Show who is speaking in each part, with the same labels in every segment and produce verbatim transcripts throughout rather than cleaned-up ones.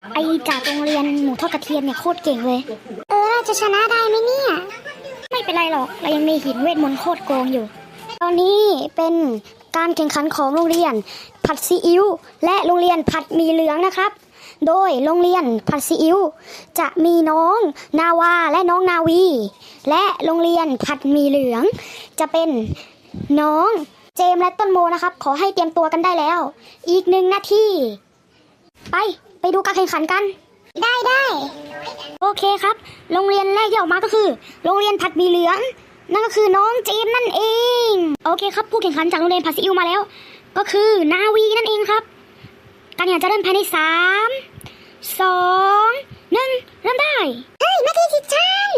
Speaker 1: ไอจากโรงเรียนหมูทอดกระเทียมเนี่ยโคตรเก่งเลยเออเราจะชนะได้ไหมเนี่ยไม่เป็นไรหรอกเรายังมีหินเวทมนต์โคตรโกงอยู่ตอนนี้เป็นการแข่งขันของโรงเรียนผัดซีอิ๊วและโรงเรียนผัดหมี่เหลืองนะครับโดยโรงเรียนผัดซีอิ๊วจะมีน้องนาวาและน้องนาวีและโรงเรียนผัดหมี่เหลืองจะเป็นน้องเจมและต้นโมนะครับขอให้เตรียมตัวกันได้แล้วอีกหนึ่งนาทีไปไปดูการแข่งขันกันได้ได้โอเคครับโรงเรียนแรกที่ออกมาก็คือโรงเรียนผัดหมี่เหลืองนั่นก็คือน้องเจมนั่นเองโอเคครับผู้แข่งขันจากโรงเรียนผัดซีอิ๊วมาแล้วก็คือนาวีนั่นเองครับการแข่งขันจะเริ่มภายในสามสองหนึ่งเริ่มได้เฮ้ยมาทีสิฉัน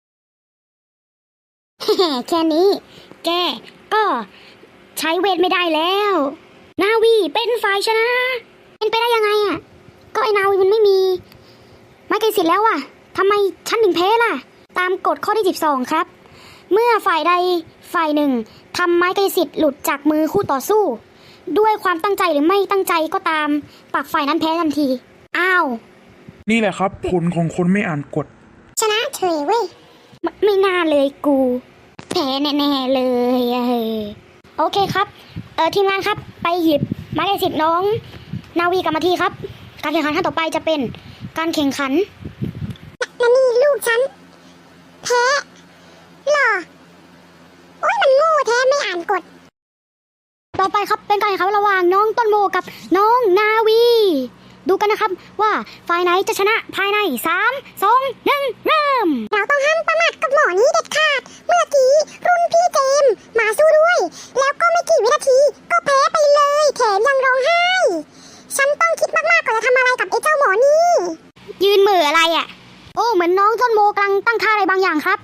Speaker 1: แค่นี้แกก็ใช้เวทไม่ได้แล้วนาวีเป็นฝ่ายชนะเป็นไปได้ยังไงอ่ะก็ไอ้นาวีมันไม่มีไม้กายสิทธิ์แล้วอ่ะทำไมฉันถึงแพ้ล่ะตามกฎข้อที่สิบสองครับเมื่อฝ่ายใดฝ่ายหนึ่งทำไม้กายสิทธิ์หลุดจากมือคู่ต่อสู้ด้วยความตั้งใจหรือไม่ตั้งใจก็ตามปักฝ่ายนั้นแพ้ทันทีอ้าว
Speaker 2: นี่แหละครับผลของคนไม่อ่านกฎ
Speaker 1: ชนะเฉยเว้ย ไม, ไม่น่าเลยกูแพ้แน่ๆเลยเออโอเคครับเออทีมงานครับไปหยิบไม้กายสิทธิ์น้องนาวีกลับมาทีครับการแข่งขันขั้นต่อไปจะเป็นการแข่งขันนั่นนี่ลูกฉันแพ้หรอโอ้ยมันโง่แท้ไม่อ่านกฎต่อไปครับเป็นการแข่งขันระหว่างน้องต้นโมกับน้องนาวีดูกันนะครับว่าฝ่ายไหนจะชนะภายในสาม สอง หนึ่งเริ่มเราต้องห้ามประมาทกับหมอนี้เด็ดขาดเมื่อกี้รุ่นพี่เจมมาสู้ด้วยแล้วก็ไม่กี่วินาทีก็แพ้ไปเลยแถมยังร้องไห้ฉันต้องคิดมากๆก่อนจะทำอะไรกับไอ้เจ้าหมอนี่ยืนมืออะไรอ่ะโอ้เหมือนน้องต้นโมกำลังตั้งท่าอะไรบางอย่างครับ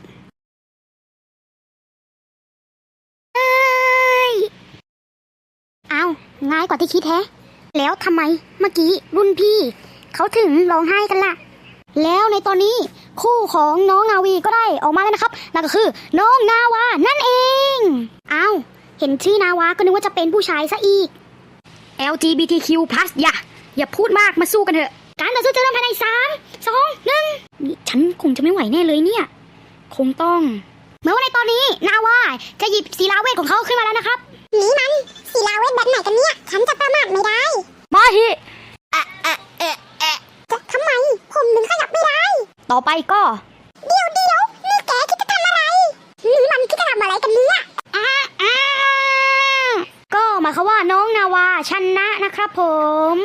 Speaker 1: เอ้ยเอาง่ายกว่าที่คิดแฮะแล้วทำไมเมื่อกี้รุ่นพี่เขาถึงร้องไห้กันล่ะแล้วในตอนนี้คู่ของน้องนาวีก็ได้ออกมาแล้วนะครับนั่นก็คือน้องนาวานั่นเองอ้าวเห็นชื่อนาวาก็นึกว่าจะเป็นผู้ชายซะอีก แอล จี บี ที คิว พลัส อย่าอย่าพูดมากมาสู้กันเถอะการต่อสู้จะเริ่มภายในสาม สอง หนึ่งนี่ฉันคงจะไม่ไหวแน่เลยเนี่ยคงต้องเมื่อว่าในตอนนี้นาวาจะหยิบศิลาเวทของเขาขึ้นมาแล้วนะครับนี่มันศิลาเวทแบบไหนกันเนี่ยฉันจะประมาทไม่ได้มาฮิอะอะเอะเอะจะทำไมผมถึงขยับไม่ได้ต่อไปก็เดี๋ยวเดี๋ยวนี่แกคิดจะทำอะไรนี่มันคิดจะทำอะไรกันเนี่ยอ่าอ่าก็หมายความว่าน้องนาวาชนะนะครับผม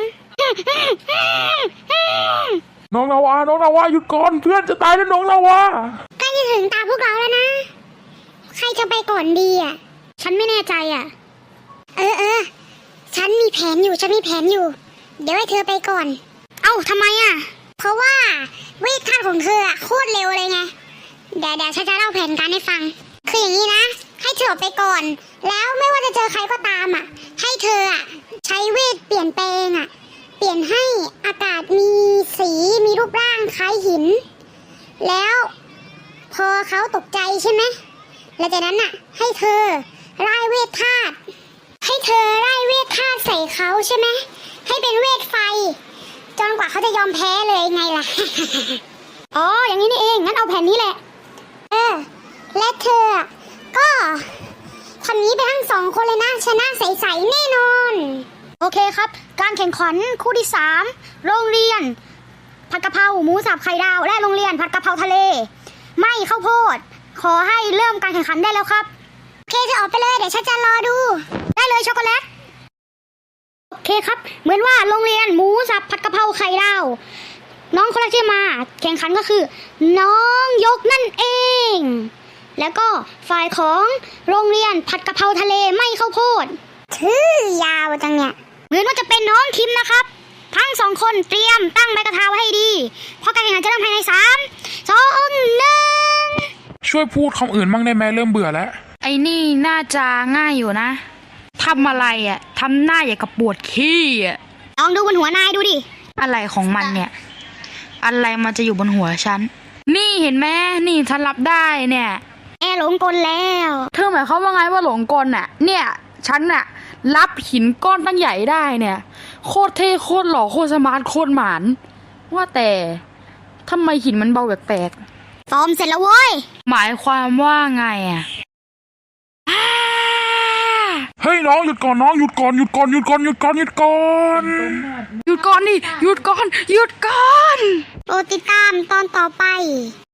Speaker 2: น้องนาวาน้องนาวาหยุดก่อนเพื่อนจะตายแล้วน้องนาวา
Speaker 1: ใกล้จะถึงตาพวกเราแล้วนะใครจะไปก่อนดีอ่ะฉันไม่แน่ใจอ่ะเออเออฉันมีแผนอยู่ฉันมีแผนอยู่เดี๋ยวให้เธอไปก่อนเอ้าทำไมอ่ะเพราะว่าเวทธาตุของเธออ่ะโคตรเร็วเลยไงเดี๋ยวเดี๋ยวฉันจะเล่าแผนการให้ฟังคืออย่างนี้นะให้เธอไปก่อนแล้วไม่ว่าจะเจอใครก็ตามอ่ะให้เธออ่ะใช้เวทเปลี่ยนแปลงอ่ะเปลี่ยนให้อากาศมีสีมีรูปร่างคล้ายหินแล้วพอเขาตกใจใช่ไหมแล้วจากนั้นน่ะให้เธอไล่เวทธาตุให้เธอไล่เวทธาตุใส่เขาใช่ไหมให้เป็นเวทไฟจนกว่าเขาจะยอมแพ้เลยไงล่ะ อ๋ออย่างนี้นี่เองงั้นเอาแผนนี้แหละเออและเธอก็ทำนี้ไปทั้งสองคนเลยนะชนะใสๆแน่นอนโอเคครับการแข่งขันคู่ที่สามโรงเรียนผัดกะเพราหมูสับไข่ดาวและโรงเรียนผัดกะเพราทะเลไม่ข้าวโพดขอให้เริ่มการแข่งขันได้แล้วครับโอเคจะออกไปเลยเดี๋ยวฉันจะรอดูได้เลยช็อกโกแลตโอเคครับเหมือนว่าโรงเรียนหมูสับผัดกะเพราไข่ดาวน้องคนแรกที่มาแข่งขันก็คือน้องยกนั่นเองแล้วก็ฝ่ายของโรงเรียนผัดกะเพราทะเลไม่ข้าวโพดชื่อยาวจังเนี่ยเหมือนว่าจะเป็นน้องคิมนะครับทั้งสองคนเตรียมตั้งใบกระทาไว้ให้ดีเพราะการแข่งขันจะเริ่มภายในสาม สอง หนึ่ง
Speaker 2: ช่วยพูดคำอื่นบ้างได้ไหมเริ่มเบื่อแล้ว
Speaker 3: ไอ้นี่น่าจะง่ายอยู่นะทำอะไรอ่ะทำหน้าอย่างกับปวดขี้อ่ะ
Speaker 1: ลองดูบนหัวนายดูดิ
Speaker 3: อะไรของมันเนี่ยอะไรมันจะอยู่บนหัวฉันนี่เห็นไหมนี่ฉันรับได้เนี่ย
Speaker 1: แอหลงกลแล้ว
Speaker 3: เธอหมายความว่าไงว่าหลงกลน่ะเนี่ยฉันน่ะรับหินก้อนตั้งใหญ่ได้เนี่ยโคตรเท่โคตรหล่อโคตรสมาร์ทโคตรหมานว่าแต่ทำไมหินมันเบาแปลก
Speaker 1: ซ้อมเสร็จแล้วเว้ย
Speaker 3: ๆหมายความว่าไงอ่ะอ้า
Speaker 2: เฮ้ยน้องหยุดก่อนน้องหยุดก่อนหยุดก่อนหยุดก่อนหยุดก่อนหยุดก่อน
Speaker 3: หยุดก่อนดิหยุดก่อนหยุดก่อน
Speaker 1: โปรดติดตามตอนต่อไป